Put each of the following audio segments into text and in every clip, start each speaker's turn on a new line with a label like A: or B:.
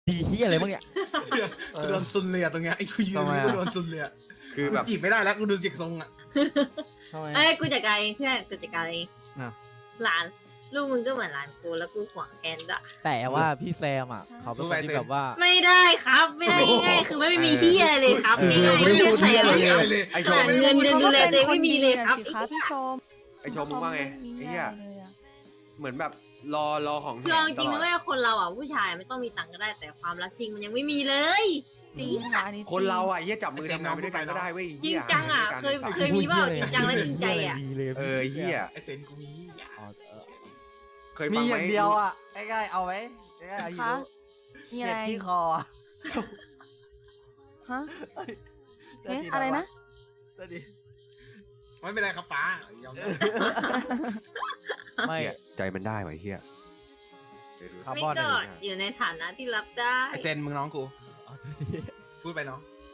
A: ดีเฮียอะไรบ้างเนี่ย
B: กูโดนซุนเลยอะตรงเนี้ยไอ้กูยืนนี่กูโดนซุนเลยอะ
C: คือ
B: กู
C: แบบ
B: จีบไม่ได้แล้วกูดูเสียงทรงอะ
A: ทำไม
D: เอ้ยกูจัดการเองเพื่อนกูจัดการเอง
A: อ่ะ
D: หลานลูกมึงก็เหมือนหลานกูแล้วกูห่วงแทนด้วย
A: แต่ว่าพี่แซมอ่ะเขาเป็นคนที่แบบว่า
D: ไม่ได้ครับไม่ได้ง่ายๆคือไม่มีที่อะไรเลยครับง่ายๆ
B: ไม่
D: ไม่
B: พู
D: มี
B: ด
D: ใคร
B: เหี้ย
D: เอา
B: อะไรเลย
C: ไอโช
D: ห
C: ว์
D: ลานเงินเดือนดูแลตัวเองไม่มีเลยครับ
E: สิคะพี่ชม
C: ไอโชว์มึงว่าไงไอ้เหี้ยเหมือนแบบรอของ
D: คือเอาจริง
C: ตล
D: นะ
C: อด
D: เว้ยคนเราอ่ะผู้ชายไม่ต้องมีตังค์ก็ได้แต่ความรักจริงมันยังไม่มีเลย
E: จริงค่ะอันนี้จง
C: คนเราอ่ะเหี้ยจับมือทำงานไปด้วยกันก็ได้เว้ย
D: จริง
C: เหี้ย
D: จังอ่ะ
C: หา
D: เคย
C: ด้วยกัน
D: เคยมีเปล่าจริงจังและจริงใจอ่ะ
C: เออเหี้ย
B: ไอ้เซนกูมีอย่า
A: อ๋อ
C: เคย
F: มี
C: ฟัง
F: อ
C: ไหม
F: ย่างเดียวอ่ะง่ายๆเอาไว้ง่ายๆเอาอยู่
E: คะมีอะไร
F: เจ็บที่คออะ
E: ฮะเอ๊ะอะไรนะ
F: เดี๋ยวดิ
B: ไม่เป็นไรครับป้ายอมรับ
A: ไม่
C: เหี้ยใจมันได้ว่ะไอ้เหี้ย
A: คาร์
D: ไม่
A: บอน
D: ก็
A: อะไร
D: อยู่ในฐานะที่รับได้
B: ไอ้เซนมึงน้องกู
A: อ๋อโทษที
B: พูดไปน้อง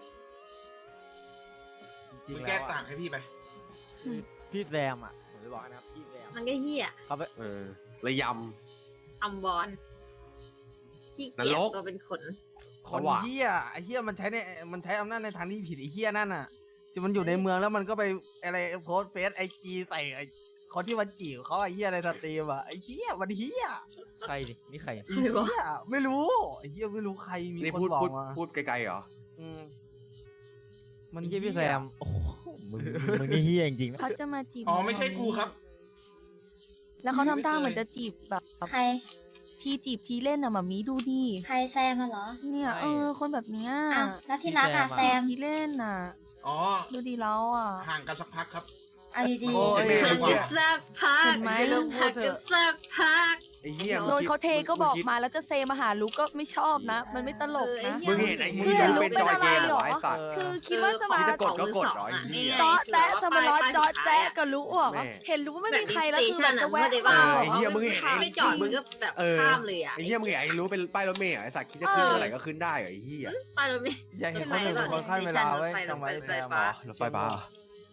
A: จริง
B: มึง
A: ๆ
B: แก้
A: แล้ว
B: ต่า
A: อะ
B: งให้พี่ไป
A: คือพี่แซมอ่ะผมจะบอกให้นะครับพี่แซม
D: มันก็เหี้ย
A: เขาไป
C: เออระย
D: ทำบอลขี้เกียจ
C: นรก
D: ตัวเป็นขน
F: คน
C: เขาว่า
F: เฮียไอ้เฮียมันใช้อำนาจในทางที่ผิดไอ้เฮียนั่นน่ะที่มันอยู่ในเมืองแล้วมันก็ไปอะไรโพสเฟซไอจีใส่ไอ้คนที่มันจีบเขาไอ้เฮียในสตรีมอ่ะไอ้เฮียมันเฮีย
A: ใครดินี่ใคร
F: ไอ้เฮียไม่รู้ไอ้เฮียไม่รู้ใครมี
C: นี่
F: คน
C: พูด
F: บอก
C: พูด
F: มา
C: พูดไกลๆเหรอ
F: อืม
A: มันเฮียพี่แซมโอ้โหมึงนี่เฮียจริงๆนะ
E: เขาจะมาจีบ
B: อ๋อไม่ใช่กูครับ
E: แล้วเขาทำท่าเหมือนจะจีบแบบ
G: ใคร
E: ทีจีบทีเล่นอะหมามีดูดิ
G: ใครแซมมาเหรอ
E: เนี่ยคนแบบเนี้ย
G: อ้าวแล้วที่รักอะแซม
E: ทีเล่นอะ
B: อ๋อ
E: ดูดีแล้วอะ
B: ห่างกันสักพักครับ
G: เอาดี
F: โอ้ย
B: ไม่
D: ห่าง
B: ไม่
D: กันสักพัก
E: เห็นไหม
D: ห่างกันสักพัก
C: ไอ้เหี้ย
E: โดนเขาเทก็บอกมาแล้วจะเซมาหาลูกก็ไม่ชอบนะ มันไม่ตลกนะ
C: มึงเห็นไอ้
E: มึ
C: เหี้
E: ง
C: ย
E: เห็น
C: เป็นจอยเกมเหรอไอ้สัตว์
E: คือคิดว่าจะมา
C: จะกดก็กดเหรอไอ้เหี้ย
E: เจาะแจ๊ะสมาร์ทเจาะแจ๊ะกับรู้อ่ะ
C: แม่
E: เห็นรู้ว่าไม่มีใครแล้ว
D: บบ
E: คือแบบจะแวะ
D: สเตชันอะ
C: ไอ้เหี้ยมึงเห็น
D: ไม่จอดมึงก็แบบ
C: เออ
D: ข้ามเลยอ่ะ
C: ไอ้เหี้ยมึงเห็นไอ้รู้เป็นป้ายรถเมล์เหรอไอ้สัตว์คิดจะขึ้นเมื่อไหร่ก็ขึ้นได้เหรอไอ้เหี้ย
D: ไปรถเมล์
F: อย่าเห็นคนอื่นเป็นคนขั้นเวลาไว้จำไว้แซม
D: อ๋อ
C: รถไฟฟ้าเหรอ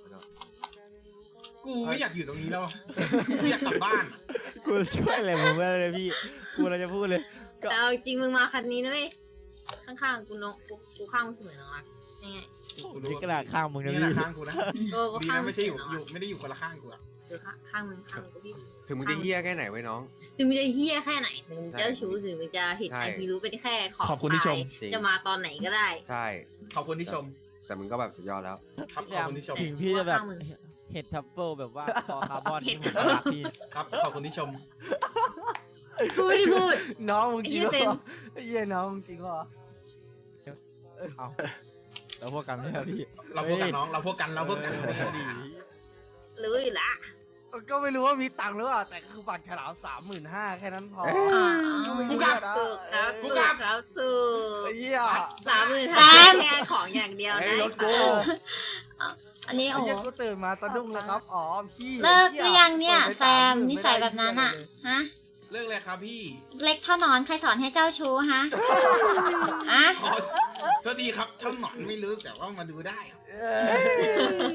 B: กูไม่อยากอยู่ตรงนี้แล้วอะกูอยากกลับบ้านอะ
A: กูช่วยอะไรมึงไม่ได้เลยพี่กูเราจะพูดเลย
D: แต่เอาจริงมึงมาคันนี้นะเว้ยข้างๆกูน้องกูข้างมึงเสมอน้องรักยังไง
A: นี่กระดาษข้างมึงนะ
B: นี่
A: พี่
B: นะข้างกูนะ
D: โอ้ก็
B: ดี
D: ข้าง
B: นะ
D: มึ
B: ไม่
D: ง
B: ใช่อยู่
D: เสม
B: อยู่ไม่ได้อยู่คนละข้างกูอะ
D: เออข้างมึงกูพี่
C: ถึงมึงจะเหี้ยแค่ไหนไว้น้อง
D: ถึงมึงจะเฮี้ยแค่ไหนถึงมึงจะชู้ถึงมึงจะเห็น
C: ใช่
D: ไอฮีรู้เป็นแค่ของ
B: ขอบคุณที่ชม
C: จริง
D: จะมาตอนไหนก็ได้
C: ใช่
B: ขอบคุณที่ชม
C: แต่มึงก็แบบสุดยอดแล้ว
B: ครับขอบคุณที่ชม
A: ถึงพี่จะแบบ
D: ข้างมึง
A: เห็ดทัฟเฟิลแบบว่าคอคาร์บอน
D: เห็ด
A: ที่ผมรักพี่
B: ครับขอบคุณที่ชม
D: กูไม่ได้พูด
F: น้องมึงจริง
D: ไอ้เหี้ยเซ
F: เหร
D: น
F: อไอ้เหี้ยน้องมึงจริงเหรอ
A: เอาแล้วพวกกันไหมครับพี่
B: เราพวกกันน้องเราพวกกันเราพวกกัน
A: ดี
D: รู้อยู่ละ
F: ก็ไม่รู้ว่ามีตังค์หรือเปล่าแต่คือบัตรฉลาม35,000แค่นั้นพอ
D: อ่า
B: กูกลับ
D: ถูกครับ
B: กู
D: ถูก
B: กลับ
D: ครับถูก
F: ไอ้เหี้ย
D: 30,000
G: แซม
D: แค่ของอย่างเดียว
C: ไอ้
D: นะ
C: รถกู
G: ๆ อันนี้
F: ไอ้
G: โอ้
F: เหี้ยกูตื่นมาสะดุ้งเลยครับอ๋อพี่
G: เลิกหรือยังเนี่ย
F: ปิดไป
G: แซม
F: 30,000
G: นิสัยแบบนั้นอะฮะ
B: เรื่องอะไรครับพี่
G: เล็กเท่าหนอนใครสอนให้เจ้าชู้ฮะอะ
B: อ๋อโทษทีครับช่างหนอนไม่รู้แต่ว่ามาดูได้อะ
F: เออ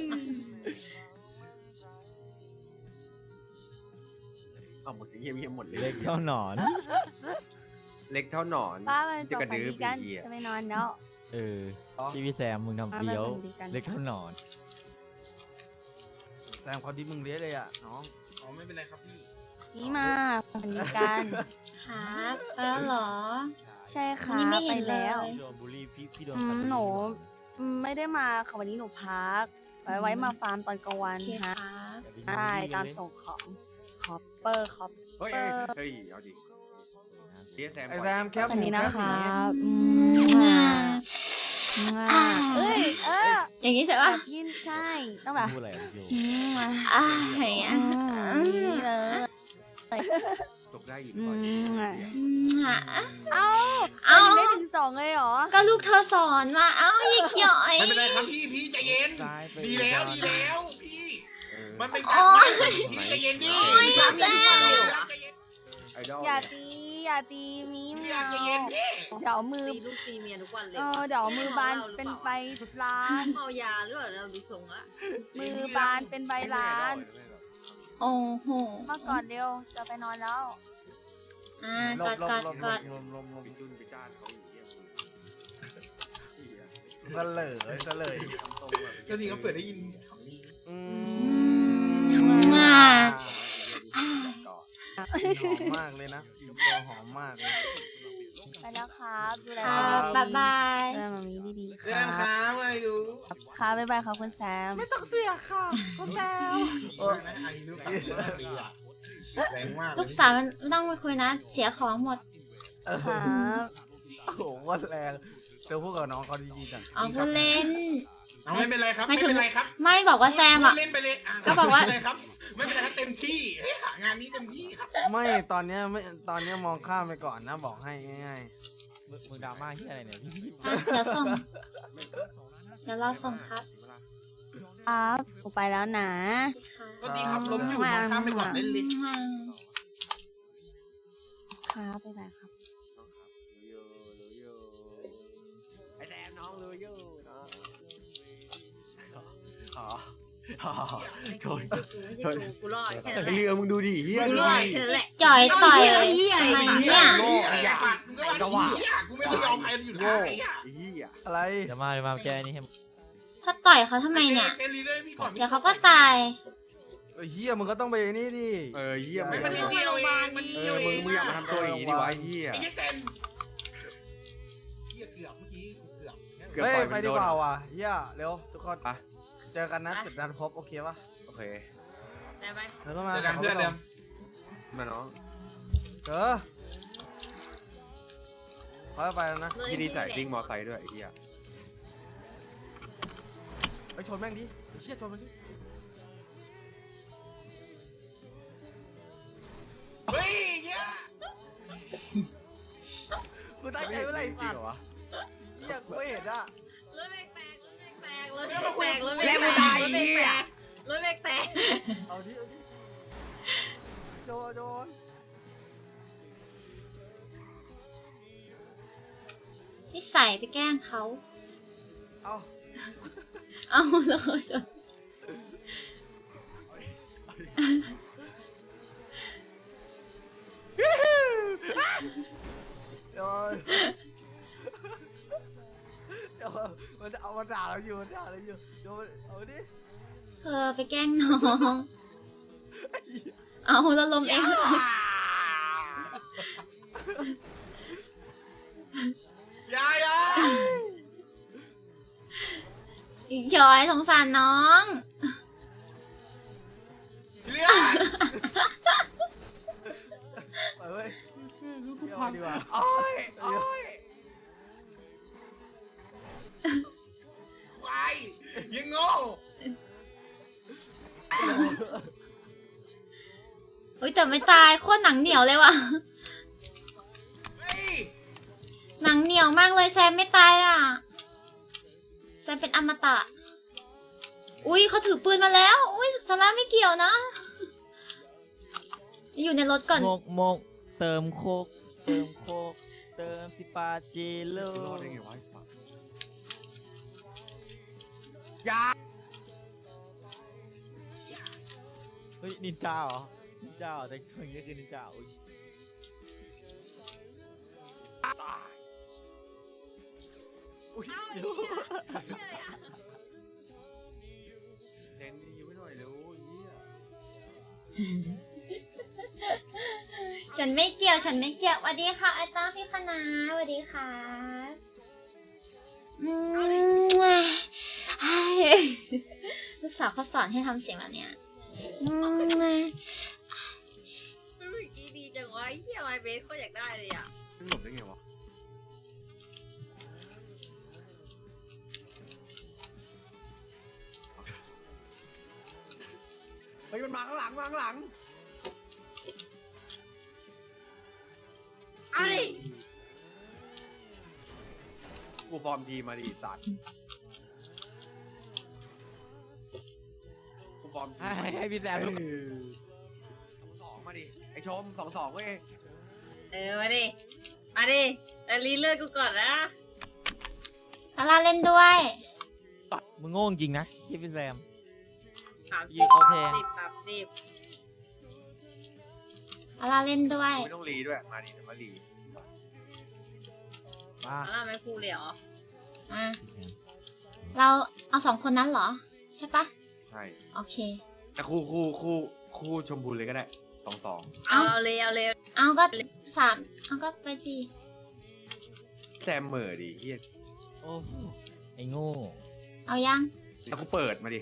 C: เอาหมดจะเงียบหมดเลย
A: เล็กเท่าหนอน
C: เล็กเท่าหนอน
E: ป้ามัน
C: จะ
E: จบ
C: กระ
E: ฝัน
C: ดื้อ
E: ดีกัน
C: ปีอ่ะ
E: จะไปนอนแล้ว
A: เออพี่แซมมึงทำเฟี้ยว
E: ดีกัน
A: เล็กเท่าหนอน
F: แซมเขาดิมึงเลี้ยเลยอ่ะน้อง
B: อ๋อไม่เป็นไรครับพี่
E: นี่มาฝันดีกัน
G: ครับแล้วเหรอ
E: ใช่ค่ะ
G: วันนี้ไม่เห็
E: ไป
G: นเลย
E: แล้ว
A: พี่โดนบูลลี่พี่โดน
E: อืม
A: กัด
E: หนูไม่ได้มาค่ะวันนี้หนูพัก ไว้มาฟาร์มตอนกลางวัน
G: โอเคค
E: ฮะ
G: รับ
A: บูลลี่
E: ใช่
A: เลย
E: ตามส่งของคอปเปอร์คอป
C: เฮ้ยเฮ้ยเอาดิเรียกแซม
F: ไอ้
C: ก่
F: แซ
C: อน
F: มแคป
E: อันนี้
F: หมู
E: นะ
F: แคปห
E: คะ
F: มี
E: เอ้ย
G: อย่างนี้ใช่
E: แบ
G: ปะ
E: บพี่ใช่ต้องแบบ
A: พูดอะไรอะพี่โอ
E: อืมอ่ะ
G: อย่างเงี้ย
E: นี่เลย
C: ตกได้อีก
E: อื
C: ก่อน
E: มอ่ะ
G: อ่ะ
E: เอ้า
G: เอ้า
E: ได้ถึง2เลยเหรอ
G: ก็ลูกเธอสอนมา เอ้าหยิกหย่อย
B: ไม่เป็นไรครับพี่ใจเย็น
A: ซ้ายไป
B: ดีแล้วดีแล้วพี่
C: เออ
B: มันเป็นการบ้านพี่ใจเย็นดิ
C: โอ้ย
B: พี่ทำอย่างนี้ทุกวันเลยใจเย็น
C: ไอดอล
E: อย่า
C: เนี่ย
E: อย่าตีมี
B: พี่
E: ไม่เอา
B: ใจเย็นพี่
E: เดี๋ยวมือ
D: ตีลูกตีเมียทุกวันเลย
E: เดี๋ยวมือบานเป็นใบล้าน
D: เมายาหรือเปล่าเราดูทรงละ
E: มือบานเป็นใบล้าน
G: โอ้โห
E: มาก่อนเร็วจะไปนอนแล้ว
G: กอดกอดกอด
F: ลม
C: ไปจุนไปจ้านเขาอยู่
F: เสลย
B: ก็ทีเขาเปิดได้ยินของนี้
F: อืม
G: อ่า
F: หอมมากเลยนะตัวหอมมากเลย
E: ไปแล้วครับดูแล
G: ครับบ๊ายบาย
E: ดูแลมามีดีๆค
B: เรื่อง
E: รับ
B: ค้าไม่รู้
E: ครับบ๊ายบายครับคุณแซม
F: ไม่ต้องเสียค่ะคุณแซม
B: นะไอ้ลูกสาวดีอ่ะแรงมาก
G: ลูกสาวมันไม่ต้องไปคุยนะ เสียของหมด
E: ครับ
F: โอ้โหว่าแรงเธอพูดกับน้องเขาดีๆจัง
G: เอาพูดเล่น
B: เอาไม่เป็นไรครับ
G: ไม่
B: ไม่
G: ถึง
B: เป็นไรครับ
G: ไม่บอกว่าแซมอ่ะ
B: เล่นไปเลย
G: ก็บอกว่า
B: ไม่เป็นไรครับไม่เป็นไรครับเต็มที่เฮ้ยหางานนี้เต็มที่ครับ
F: ไม่ตอนเนี้ยไม่ตอนเนี้ยมองข้ามไปก่อนนะบอกให้ง่าย
A: มึงดราม่าที่อะไรเนี่ยพี่
G: อ่ะเดี๋ยวส่ง เดี๋ยวรอส่งครับ
E: ครับผมไปแล้วนะ
G: ค่ะ
B: ก็ดีครับล้มอยู่มองข้ามไปก่อนเล่นเลย
E: ครับบ๊ายบายครับ
C: ไอแซมน้องรู้อยู่เนาะอ๋อโทษ
D: ไม่ใช่กูกูรอดแค่นั้นแหละ
C: เรือมึงดูดิเฮีย
D: กู
C: ดู
D: รอด
C: ดิ
D: แค่นั้นแหละ
G: จ่อยต่อย
D: เหี้ย
G: ทำไม
D: เหี้
G: เนี่ย
B: โง่ไอ้สัตว์มึงก็ว่าดีอ่ะกูไม่เคยยอมใครอยู่แล้วไอ้อ่ะ
C: เฮีย
F: ๆอะไร
A: เดี๋ยวมาแกนี่ให้
G: ถ้าต่อยเขาทำไมเนี่ย
B: เซรีเลยพี่ก่อน
G: เดี๋ยวเขาก็ตาย
F: ไอ้เฮียมึงก็ต้องไปนี่ดิ
C: เฮีย
B: ไม่มันนิดเดียวเองมันนิดเดียวเอง
C: มึงอย่ามาทำตัวอย่างนี้ดิวะเฮีย
B: ไอ้เซนเฮียเกือบเมื่อกี้กูเกือบ
C: เกือบ
F: เฮ้ย
C: ปล่อย
F: ไป
C: มัน
F: ดี
C: โดน
F: กว่าว่ะเฮียเร็วทุกคน
C: ไป
F: เจอกันนะจุดนัดพบโอเคปะ
C: โอเค
D: ได้ไหม
F: แล้วก็มา
B: เจอกันเพื่อนเดิม
C: มาน้อง
F: เจอไปแล้วนะ
C: ที่นี่ใส่วิ่งมอไซค์ด้วยไอ้เฮีย
F: ไปชนแม่งดิไอ้เฮียชนมันดิ
B: เฮ้ยเฮีย
F: กูตั้งใจไว้เลย
C: จริ
F: สั
C: ง
F: ต
C: เหร
F: ว์
C: อวะ
F: เฮียกูไม่เห็นอ่ะ
D: รถเบรกแตกรถเบรกแตกรถเบรกแตกรถเบรกแตกรถเบรกแตกรถเบรกแตก
F: เอาดิโดน
G: ที่ใส่ไปแกล้งเขา
F: เอา
G: เอาแล้วเขาชน
F: เดี๋ยวมันเอามาด่าเราอยู่เดี๋ยวเอาดิ
G: เธอไปแกล้งน้อง เอาแล้วลมเอง
B: ยายอ่ะ
G: ยอยสงสารน้อง
B: เรื่อง
F: ไปเว้ยเที่ยวดีกว่า
C: โอ้ยโอ้ย
B: ควายยังโง่
G: อุ้ยแต่ไม่ตายโคตรหนังเหนียวเลยว่ะ
B: เฮ้ย
G: หนังเหนียวมากเลยแซมไม่ตายอ่ะ แซมเป็นอมตะ อุ้ยเขาถือปืนมาแล้ว อุ้ยสาระไม่เกี่ยวนะ อยู่ในรถก่อน
A: โมกเติมโคกเติมสิปาเจโล
C: รอดได้ไงวะไอ้สัสยา
A: เฮ้ยนินจาเหรอนินจาเหรอแต่คนนี้คือนินจาอุ้ย
C: เซนดีไม่หน่อยเร็วเฮีย
G: ฉันไม่เกี่ยว ฉันไม่เกี่ยวสวัสดีค่ะไอ้ต้าพี่คณะสวัสดีค่ะลูกสาวเขาสอนให้ทำเสียงแบบเนี้ย
D: เมื่อกี้ดีจังวะเฮียไมเบสก็อยากได้เลยอ่ะ
C: มันหลบได้ไงวะเฮ้ยมันมาข้างหลังมาข้างหลัง
D: ไอ้
C: กูฟอร์มทีมาดิสัตว์กูฟอร์มที
A: ให้พี่แซมลูก
C: สองมาดิไอชม2-2เว้ย
D: มาดิแต่รีเลือดกูก่อนนะ
G: ลาลาเล่นด้วย
A: มึงโง่จริงนะพี่แซม
D: 30
A: ยิงเขาแพง
G: ลาลาเล่นด้วย
C: ไม่ต้องรีด้วยมาดิเดี๋ยวมารี
A: มา
D: แล้วไม่พูดเลยเหรอ
G: อ่ะเราเอา2 คนนั้นเหรอ ใช่ปะ
C: ใช่
G: โอเค
C: แต่คู่ชมพูเลยก็ได้2-2
D: เอาเลย
G: เอาก็3เอาก็ไปสิ
C: แซมเหม่อดิเฮีย
A: โอ้โหไอ้โง่
G: เอายัง
C: แล้วกูเปิดมาดิ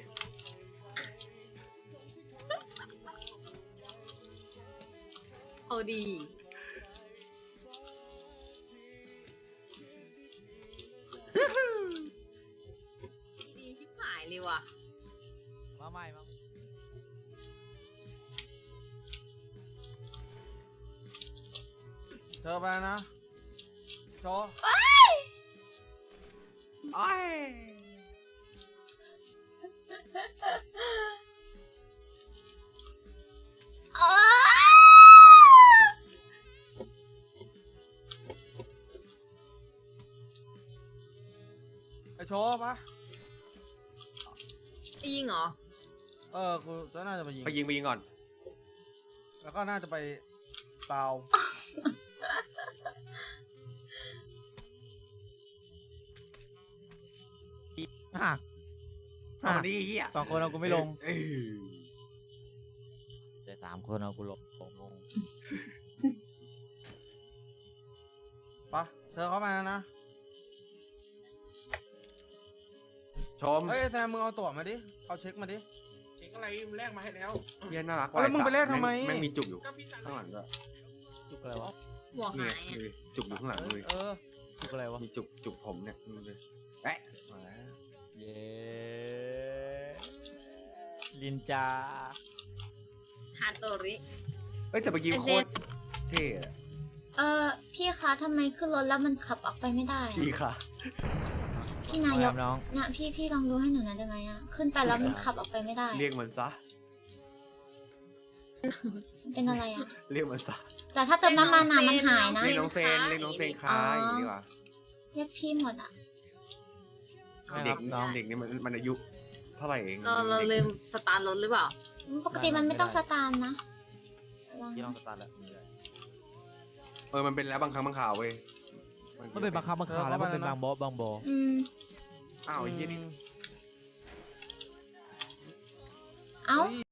D: เอาดีดีที่หายเลยว่ะ
A: มาใหม่มา
F: เธอไปนะโชว์
C: ไอ้
G: อ้า
F: ไอโชว์ปะ
D: ยิงเหรอ
F: กูจะน่าจะไปยิง
C: ไปยิงก่อน
F: แล้วก็น่าจะไปซาว
A: อ่ะ
C: เอาดิเฮีย
A: 2 คนเอากูไม่ลง
C: เออ
A: แต่3 คนเอากูลง
F: ปะเธอเข้ามานะ
C: ชม
F: เฮ้ยแซมมึงเอาตั๋วมาดิ เอาเช็คมาดิ
B: เช็คอะไรแลกมาให้แล้ว
C: เฮียน่ารัก
F: แล้วมึงไปแลกทำไม
C: แม่งมีจุกอยู่
B: ก็พี่สั่ง
C: ข้างหลังด้วย
A: จุกอะไรวะ
D: หัว
C: นี่
D: หายอ่ะ
C: ดูดิจุกอยู่ข้างหลังเลย
A: จุกอะไรวะ
C: มีจุกผมเนี่ยดูดิแอะมาแล้ว
A: เย้ลินจา
D: ฮาโตริ
C: เอ้ยแต่เมื่อกี้
D: ไอ้
C: โค
D: เซน
C: ตรเท่อะ
G: พี่คะทำไมขึ้นรถแล้วมันขับออกไปไม่ได้อะ
C: พี่ค่ะ
G: พี่นายก
A: น้อง
G: นะพี่ลองดูให้หนูหน่อยได้ไหมอะขึ้นไปแล้วมันขับออกไปไม่ได้
C: เรียกมันซะ
G: มันเป็นอะไรอะ
C: เรียกมันซะ
G: แต่ถ้าเติมน้ำมันอะมันหายนะ
C: เรียกน้องเซนเรียกน้องเซนค้าอย่างนี้ดีกว่า
G: เรียกพี่หมดอะ
C: เด็ก
A: น้อง
C: เด็กนี่มันอายุเท่าไหร่เอง
D: เราลืมสตาร์ทรถหรือเปล่า
G: ปกติมันไม่ต้องสตาร์ทนะลอง
A: พี่ลองสตาร์ทแล้ว
C: มันเป็นแล้วบางครั้งบางข่าวเว้ย
A: มันเป็นบางครั้งบางคราวแล้วมันเป็นบางบอ
G: อืม
C: อ้าวไอ้เหี้ยนี่
G: เอ้า